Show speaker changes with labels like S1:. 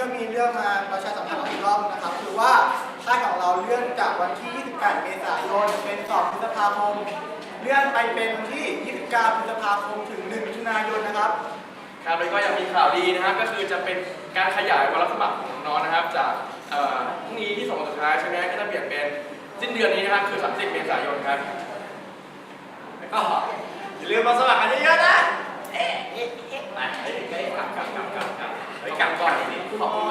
S1: ก็มีเรื่องมาประชาสัมพันธ์อีกรอบนะครับคือว่าค่ายของเราเลื่อนจากวันที่ 28 เมษายนเป็น 2 พฤษภาคมเลื่อนไปเป็นวันที่ 29 พฤษภาคมถึง 1 มิถุนายนนะครับ
S2: ครับแล้วก็ยังมีข่าวดีนะครับก็คือจะเป็นการขยายวันรับสมัครของน้องนะครับจากพรุ่งนี้ที่2 วันสุดท้ายใช่ไหมก็จะเปลี่ยนเป็นสิ้นเดือนนี้นะครับคือ 30 เมษายนครับ
S3: แล้วก็อย่าลืมมาสมัครกันเยอะๆนะไปกลับก่อนนี่ขอบคุณ